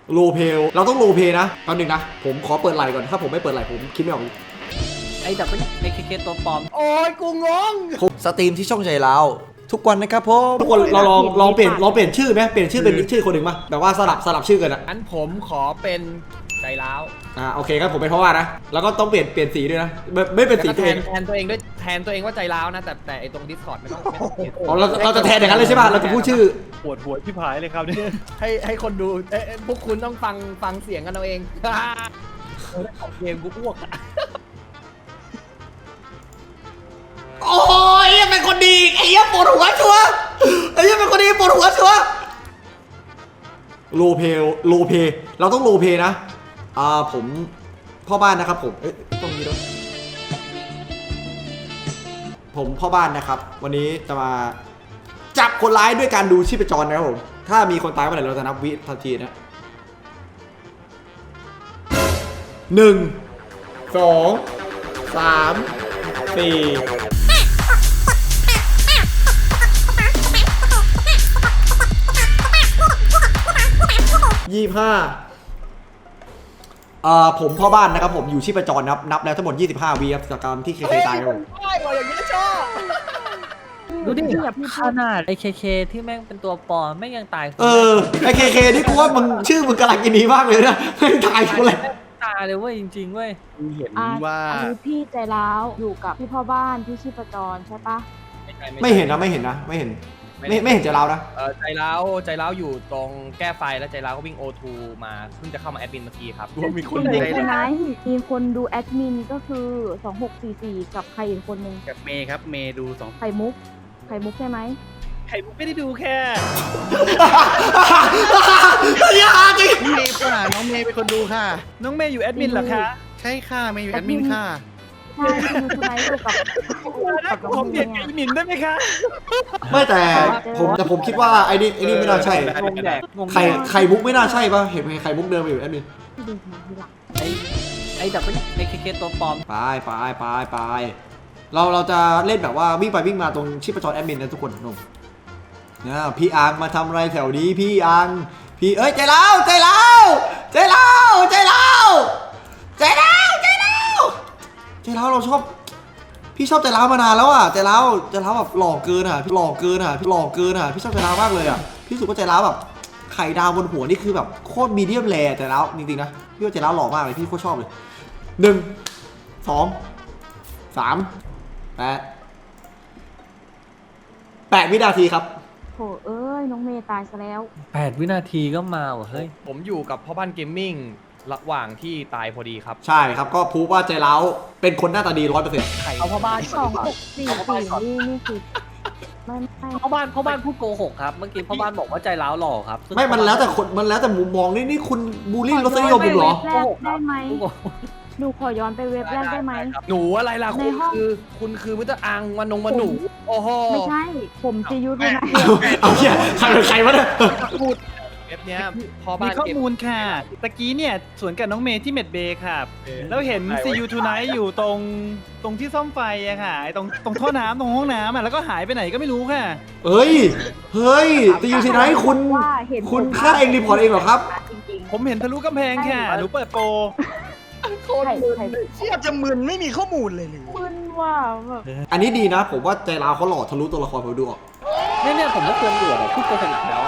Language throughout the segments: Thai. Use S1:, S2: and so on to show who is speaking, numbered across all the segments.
S1: โลเพลเราต้องโลเพนะแป๊บนึงนะผมขอเปิดไหลก่อนถ้าผมไม่เปิดไหลผมคิดไม่ออก
S2: ไอ้ดับเป็นไอ้เคตัวปลอม
S3: โอ้ยกูงง
S1: ผมสตรีมที่ช่องใจเราทุกวันนะครับผมทุกคนเราลองเปลี่ยนชื่อไหมเปลี่ยนชื่อเป็นชื่อคนหนึ่งมาแบบว่าสลับชื่อกันอะ
S3: งั้นผมขอเป็นใจร้าว
S1: โอเคครับผมเป็นเพราะว่านะแล้วก็ต้องเปลี่ยนสีด้วยนะไม่เป็นสี
S3: แล้วก็
S1: ตัวเอง
S3: แทนตัวเองด้วยแทนตัวเองว่าใจร้าวนะแต่ไอตรง Discord ไม่ต้อง
S1: เราจะแทนอย่างนั้นเลยใช่ป่ะเราจะพูดชื่อ
S4: ปวดหัวที่ผายเลยครับเนี่ย
S3: ให้คนดูพวกคุณต้องฟังเสียงกันเอาเองของเกมกูอ้วกอะ
S1: โอ้ยเป็นคนดีไอ้เหี้ยปวดหัวชัวไอ้เหี้ยเป็นคนดีปวดหัวชัวโลเพเราต้องโลเพนะผมพ่อบ้านนะครับผมต้องมีด้วยผมพ่อบ้านนะครับวันนี้จะมาจับคนร้ายด้วยการดูชีพจรนะครับผมถ้ามีคนตายเมื่อไหร่เราจะนับวิทันทีนะ1 2 3 425ผมพ่อบ้านนะครับผมอยู่ชีพจรนับแล้วทั้งหมด25วีครับจากการที่เคตายครับผม
S3: ใช่ว่ะอย่างนี้ชอบ
S2: ดูดิขนาดไอ้เคที่แม่งเป็นตัวปลอมแม่งยังตาย
S1: ไอเคนี่กูว่ามึงชื่อมึงกำลังกินดีมากเลยนะไม่ตายกูเลย
S2: ตายเลยเว้ยจริงๆเว้ย
S4: เห็นว่า
S5: อันนี้พี่ใจร้าวอยู่กับพี่พ่อบ้านที่ชีพจรใช่ปะ
S1: ไม่เห็นไม่เห็นจะเล่านะ
S3: ใจร้าวอยู่ตรงแก้ไฟแล้วใจร้าวก็วิ่ง O2 มาเพิ่งจะเข้ามาแอดมินเมื่อกี้ครับ
S4: มีคน
S5: มี
S4: ใจ
S5: ใช่ไหม
S4: ร้าย
S5: มีคนดูแอดมินก็คือ2644กับใครอีกคนนึง
S4: กับเมย์ครับเมย์ดู2
S5: ไข่มุกใช่ไหม
S4: ไข่มุกไม่ได้ดูแค่
S1: อย่าจริง
S4: เมย์ค่ะน้องเมย์เป็นคนดูค่ะ น้องเมย์อยู่แอดมินเหรอคะใช่ค่ะเมย์อยู่แอดมินค่ะ
S5: ใช่พี่ดูใช่ไหมอยู่กับน้
S4: ผ
S5: อง
S4: ม
S5: เม
S4: เปลี่ยน
S5: ย์
S4: แอดมินได้ไหมคะ
S1: ไม่แต่ผมคิดว่าไอ้นี่ไม่น่าใช่
S2: งงแดกงง
S1: ไข่มุกไม่น่าใช่ป่ะเห็นไข่มุกเดินไปอยู่แอดมิน
S5: ที่ดูมาทีหลัง
S2: ไอ้ดับเป็นไอ้เคตัวปลอม
S1: ไปเราจะเล่นแบบว่าวิ่งไปวิ่งมาตรงชีพจรแอดมินนะทุกคนนุ่มเนี่ยพี่อังมาทำอะไรแถวนี้พี่อังพี่ใจเล่าเราชอบพี่ชอบใจเล่ามานานแล้วอ่ะใจเล่าแบบหล่อเกินอ่ะพี่ชอบใจเล่ามากเลยอ่ะพี่รู้สึกว่าใจเล่าแบบไข่ดาวบนหัวนี่คือแบบโคตรมีเดียมแรร์ใจเล่าจริงๆนะพี่ว่าใจเล่าหล่อมากเลยพี่โคตรชอบเลย1 2 3 8 วินาทีครับ
S5: โถเอ้ยน้องเมย์ตายซะแล้ว
S2: 8 วินาทีก็มาว่ะเฮ้ย
S3: ผมอยู่กับพ่อบ้านเกมมิ่งระหว่างที่ตายพอดีครับ
S1: ใช่ครับก็พูดว่าใจเล้าเป็นคนหน้าตาดี 100%
S3: ไข่
S2: เอาพ่อบ้านก่อนดีกว่า
S5: 2644นี่คือไม่
S2: พ่อบ้านพูดโกหกครับเมื่อกี้พ่อบ้านบอกว่าใจร้าวหล่อครับซึ่ง
S1: ไม่มันแล้วแต่คนมันแล้วแต่มุมมองนี่คุณบูลลี่รสนิยมผมเหรอ
S5: แรกได้ไหมหนูขอย้อนไปเว็บแรกได้ไหม
S3: หนูอะไรล่ะ
S5: ในห้อง
S3: คุณคือมิสเตอร์อังมาหนูโอ้โห
S5: ไม่ใช่ผมจะยุทธนะ
S1: เอาเชี่ยใครวะเนี่ย
S3: พูดเว็บเนี้ยพ่อ
S4: มี
S3: บ้าน
S4: ข้อ
S3: เกม
S4: มูลค่ะตะกี้เนี่ยสวนกับน้องเมย์ที่เมดเบย์ค่ะแล้วเห็น See You Tonight อยู่ตรงที่ซ่อมไฟอะค่ะไอ้ตรงท่อน้ำตรงห้องน้ำอะแล้วก็หายไปไหนก็ไม่รู้ค่ะ
S1: เฮ้ยจะอยู่ที่ไหนคุณฆ่าเองรีพอร์ตเองเหรอครับ
S5: จริง
S4: ผมเห็นทะลุกำแพงค่ะหนูเปิดโปร
S5: ๆใคร
S6: เทียบจะมึนไม่มีข้อมูลเลยหรือ
S5: มึนว่าแบบ
S1: อันนี้ดีนะ ผมว่าใจร้าวเขาหล่อทะลุตัวละครผมดูออก
S2: เนี่ยผมไม่ควรเดือดพูดโกหกอีกแล้วอะ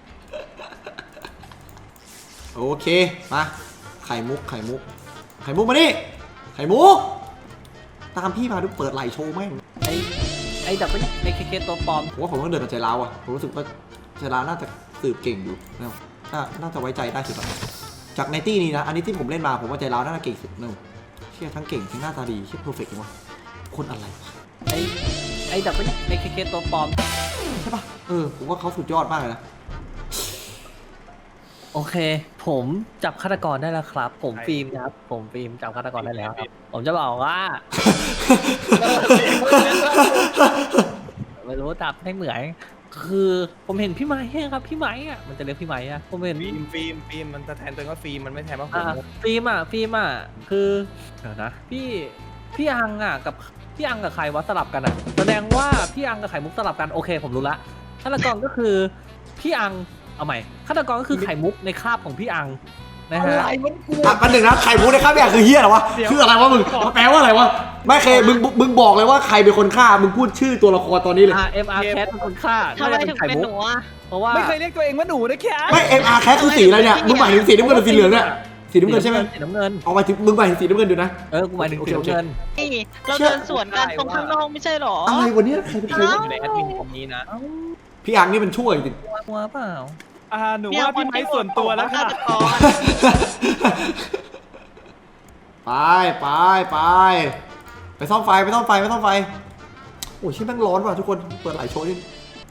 S1: โอเคมาไข่มุกมานี่ไข่มุกตามพี่มาดูเปิดไหลโชว์แม่ง
S2: ไอ้ดับเป็นไอ้เคตัวปลอม
S1: ผมว่าผมต้องเดินกับใจร้าวอ่ะผมรู้สึกว่าใจร้าวน่าจะสืบเก่งอยู่นะน่าจะไว้ใจได้สุดจากในตี้นี้นะอันนี้ที่ผมเล่นมาผมว่าใจร้าวน่าจะเก่งสุดนะเชี่ยทั้งเก่งทั้งหน้าตาดีเชี่ยเพอร์เฟกต์เลยวะคนอะไรวะ
S2: ไอ้ดับเป็นไอ้เคตัวปลอม
S1: ใช่ปะผมว่าเขาสุดยอดมากเลยนะ
S2: โอเค ผมจับฆาตกรได้แล้วครับ ผมฟิล์มครับผมฟิล์มจับฆาตกรได้แล้วครับผมจะบอกว่า ไม่รู้จับให้เหมือนคือผมเห็นพี่ไม้ครับพี่ไม้อะมันจะเรียกพี่ไม้อะผมเห็น
S3: ฟิล์มมันจะแทนตัวเองว่าฟิล์มมันไม่แทนว่าผม
S2: ฟิล์มอะคือเดี๋ยวนะพี่อังอะกับพี่อังกับใครวะสลับกันอะแสดงว่าพี่อังกับไข่มุกสลับกันโอเคผมรู้ละฆาตกรก็คือพี่อังเอาใหม่ฆาตกรก็คือไข่มุกในคาบของพี่อังนะ
S3: อะ
S2: ฮะ
S3: ไรมันกู
S1: อันหนึ่งนะไข่มุกในข้าวเนี่ยคือเฮียเหรอวะคืออะไรวะมึงแปลว่าอะไรวะไม่เคยมึงบอกเลยว่าใครเป็นคนฆ่ามึงพูดชื่อตัวละครตอนนี้เลย
S2: MR Cat เป็นคนฆ่า
S7: ทำไม
S2: น่าจะ
S7: ถึง
S2: ไข่
S7: เป็น
S2: มุก
S7: หนูอ่ะ
S2: เพราะว่า
S4: ไม่เคยเรียกตัวเองว่าหนูนะแค่
S1: ไม่ MR แคทคือสีอะไรเนี่ยมึงหมายถึงสีน้ำเงินหรือสีเหลืองเนี่ยสีน้ำเงินใช่ไหม
S2: สีน้ำเงิน
S1: เอาไปถึงมึงหมายถึงสีน้ำเงินดูนะ
S2: กูหมายถึงสีน้ำเงิน
S7: นี่เราเดินสวนกันตรงข้างนอกไม่ใช่หรอ
S1: อะไรวันนี้ใครเป็นใคร
S3: อยู่ในแอดมินตรงนี้นะ
S1: พี่อังนี่มันช่วยจริง
S2: กลัวเปล่า
S4: หนูว่าพี่ไม้ส่วนตัวแล้วค่ะ
S1: ไปไปซ่อมไฟโอ้ยชิ้นแม่งร้อนว่ะทุกคนเปิดหลายโชว์ดิ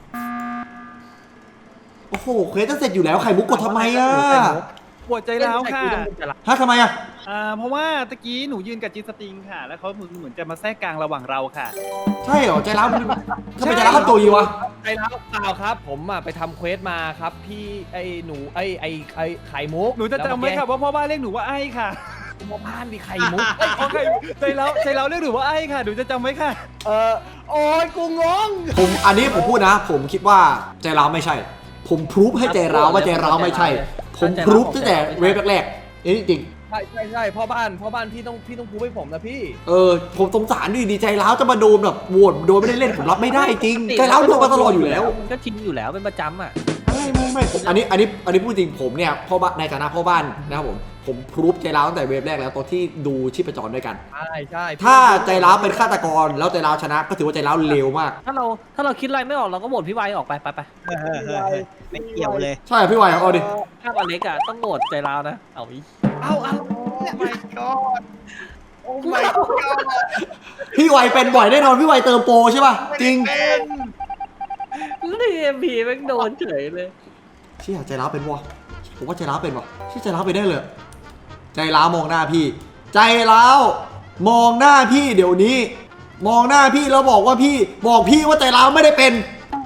S1: โอ้โหเควสจะเสร็จอยู่แล้วไข่มุกกดทำไมอ่ะ
S4: ปวดใจร้าวค่ะ
S1: ฮะทำไมอ่ะ
S4: เพราะว่าตะกี้หนูยืนกับจีสติงค่ะ แล้วเขาเหมือนจะมาแทรกกลางระหว่างเราค่ะ
S1: ใช่เหรอใจร้าวมันทำไมใจร้าวทำตัวยีวะ
S3: ไอ้แล้วเปล่าครับ ผมไปทำเควสมาครับ พี่ไอ้หนูไอ้ไข่มุก
S4: หนูจะจำไว้ค่ะว่าพ่อบ้านเรียกหนูว่าไอ้ค่ะ
S3: พ่อบ้านดิไข่มุก
S4: โอเคใจเราเรียกหนูว่าไอ้ค่ะหนูจะจำไว้ค่ะ
S3: โอ้ยกูงง
S1: อันนี้ผมพูดนะ ผมคิดว่าใจร้าวไม่ใช่ ผมพรูฟให้ใจร้าวว่าใจร้าวไม่ใช่ ผมพรูฟตั้งแต่เวฟแรกๆนี่จริง
S3: ใช่พ่อบ้านพี่ต้องพูดให้ผมนะพี่
S1: ผมสงสารดีใจร้าวจะมาโดนแบบโหวตโดนไม่ได้เล่นผมรับไม่ได้จริงใจร้าวโดนมาตลอดอยู่แล้ว
S2: มันก็ชินอยู่แล้วเป็นประจำอ่ะ
S1: ไม่อันนี้พูดจริงผมเนี่ยพ่อบ้านในฐานะพ่อบ้านนะครับผมพรูฟใจร้าวตั้งแต่เวฟแรกแล้วตอนที่ดูชีพจรด้วยกัน
S3: ใช่
S1: ถ้าใจร้าวเป็นฆาตกรแล้วใจร้าวชนะก็ถือว่าใจร้าวเลวมาก
S2: ถ้าเราคิดอะไรไม่ออกเราก็โหวตพี่ไวออกไป
S6: ไม่เกี่ยวเลย
S1: ใช่พี่วายเอาดิ
S2: ถ้าอเล็กอะต้องโหวตใจเรานะเอาอี
S3: เอาไม่กอดโอ้ไม่กอด
S1: พี่วายเป็นบ่อยแน่นอนพี่วายเติมโปรใช่ป่ะจริง
S2: แล้วในเอ็มพีแม่งโดนเฉยเลย
S1: เชี่ยใจร้าวเป็นวะผมว่าใจร้าวเป็นวะชี่ใจร้าวไปได้เลย ใจร้าวมองหน้าพี่ ใจร้าวมองหน้าพี่เดี๋ยวนี้ มองหน้าพี่แล้วบอกว่าพี่ว่าใจร้าวไม่ได้เป็น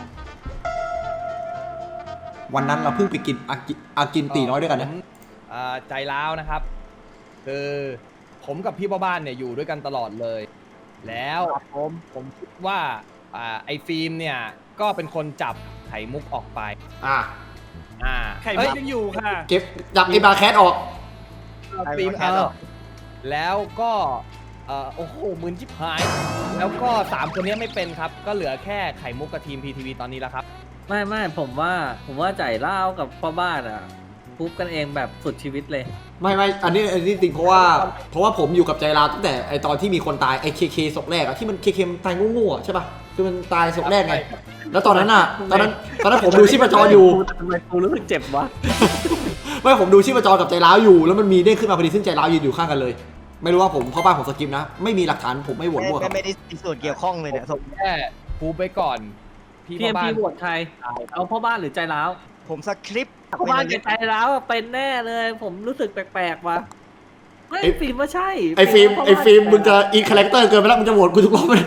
S1: วันนั้นเราเพิ่งไปกินอากินตีน้อยด้วยกันนะ
S3: ใจร้าวนะครับ คือผมกับพี่พ่อบ้านเนี่ยอยู่ด้วยกันตลอดเลย แล้วผมคิดว่าไอ้ฟิล์มเนี่ยก็เป็นคนจับไข่มุกออกไป
S4: ไข่มุกยังอยู่ค่ะ
S1: เก็บจับไอ้บาร์แคทออก
S3: ฟิล์มแล้วก็โอ้โหมึนชิบหาย แล้วก็3คนนี้ไม่เป็นครับ ก็เหลือแค่ไข่มุกกับทีม PTV ตอนนี้แล้วครับ
S2: ไม่ผมว่าใจเล่ากับพ่อบ้านอะพูบกันเองแบบสุดชีวิตเลย
S1: ไม่อันนี้จริงเพราะว่าผมอยู่กับใจร้าวตั้งแต่ไอตอนที่มีคนตายไอเคศพแรกอะที่มันเคมันตายโง่ๆอะใช่ป่ะคือมันตายศพแรกไงแล้วตอนนั้นตอนนั้นผมดูชีพจรอยู่
S2: ทำไมกูรู้สึกเจ็บวะ
S1: ไม่ผมดูชีพจรกับใจร้าวอยู่แล้วมันมีเด้งขึ้นมาพอดีซึ่งใจร้าวยืนอยู่ข้างกันเลย ไม่รู้ว่าผมพ่อบ้านผมสกิปนะไม่มีหลักฐานผมไม่โหวตมั่วครับ
S6: ไม่ได้มีส่วนเกี่ยวข้องเลยเนี่ย
S3: แค่พูไปก่อน พี่
S2: พี
S3: พ่
S2: เอ็
S3: อ
S2: ม
S3: บ้า
S2: พี
S3: น
S2: โหวตใครเอาพ่อบ้านหรือใจร้าว
S6: ผมสคริปต์
S2: พ่อบ้านกับใจร้าวอะเป็นแน่เลย ผมรู้สึกแปลกๆว่ะไม่ฟิล์มว่าใช่
S1: ไอฟิล์มมึงจะอินคาแรคเตอร์เกินไปแล้วมึงจะโหวตกูทุกรอบเลย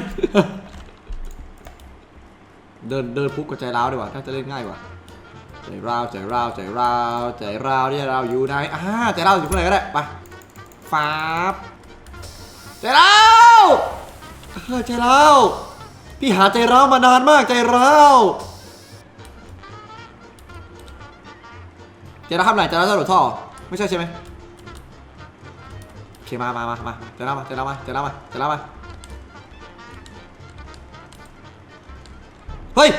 S1: เดินพุกกับใจร้าวดีกว่าน่าจะเล่นง่ายกว่าใจร้าวที่เราอยู่ไหนใจร้าวอยู่ข้างไหนก็ได้ไปฟ้าบใจร้าวใจร้าวพี่หาใจร้าวมานานมากใจร้าวใจร้าวทำไหนใจร้าวจะหลุดท่อไม่ใช่ใช่ไหมโอเคมาใจร้าวมาเฮ้ย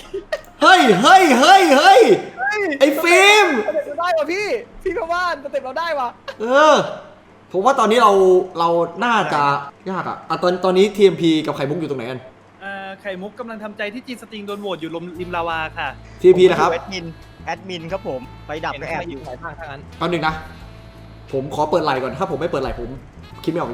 S1: ไอ้ฟิล์ม
S3: ได้ป่ะพี่พ่อบ้านสเต็ปเราได้ป่ะ
S1: ผมว่าตอนนี้เราน่าจะยากอะตอนนี้ TMP กับไข่มุกอยู่ตรงไหนกัน
S4: ไข่มุกกำลังทำใจที่จีสติงโดนโหวตอยู่ริมลาวาค่ะ
S1: TMP นะครับ
S6: แอดมินครับผมไปดับก็แอบอยู่
S3: ไหนบ้างถ้างั้น
S1: แป๊บนึงนะผมขอเปิดไหลก่อนถ้าผมไม่เปิดไหลผมคิดไม่ออก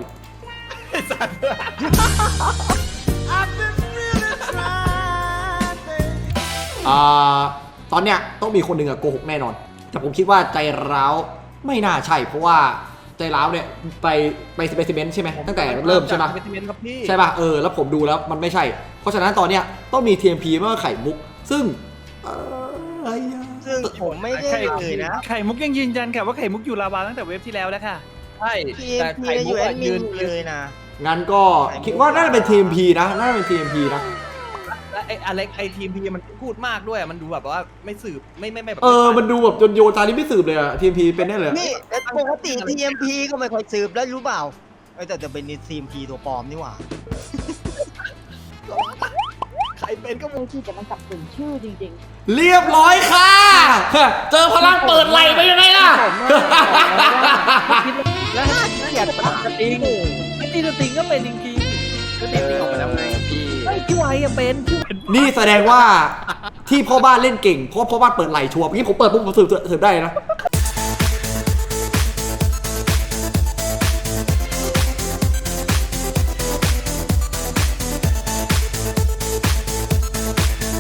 S1: ตอนเนี้ยต้องมีคนหนึ่งอะโกหกแน่นอนแต่ผมคิดว่าใจร้าวไม่น่าใช่เพราะว่าใจร้าวเนี่ยไปสเปซิเมนต์ใช่ไหมตั้งแต่เริ่มใช่ไหม
S3: สเปซิเมนต์ครับพี่
S1: ใช่ป่ะแล้วผมดูแล้วมันไม่ใช่เพราะฉะนั้นตอนเนี้ยต้องมี TMP ไม่ว่าไข่มุกซึ่งอะไรอะ
S6: ซึ่งผมไม่ได้เลยนะ
S4: ไข่มุกยังยืนยันค่ะว่าไข่มุกอยู่ลาวาตั้งแต่เว็บที่แล้วแล้วค่ะ
S3: ใช่
S6: พี
S3: แต่
S6: พี
S3: ไข่มุ
S6: อก ยู่แอ
S3: อะ
S6: ดมินอยู่เลยนะ
S1: งั้นก็คิดว่าน่าจะเป็น TMP นะน่าจะเป็น TMP นะ
S3: และไอ้อเล็กไอ้ทีมพีมันพูดมากด้วยมันดูแบบว่าไม่สืบไม่แบบ
S1: มันดูแบบโยนตานี้ไม่สืบเลยอะทีมพีเป็นได้เลย
S6: นี่ปกติ TMP ก็ไม่ค่อยสืบแล้วรู้เปล่าแต่จะเป็น TMP ตัวปลอมนี่หว่า
S3: ใครเป็นก็
S5: เลยที่แต่มันสับสนชื่อจริง
S1: เรียบร้อยค่ะ เจอพลังเปิดไหลไปยังไงล่ะ
S2: แล้วอยากตัดสติงไอ้ตีสติงก็เป็นจริงๆก็ตีสติงออกไปแล้วไงพี่ไอ้พี่ไวอะเป็นพี่ไว
S1: นี่แสดงว่าที่พ่อบ้านเล่นเก่งเพราะพ่อบ้านเปิดไหลชัวร์เมื่อกี้ผมเปิดปุ๊บผมสืบได้นะ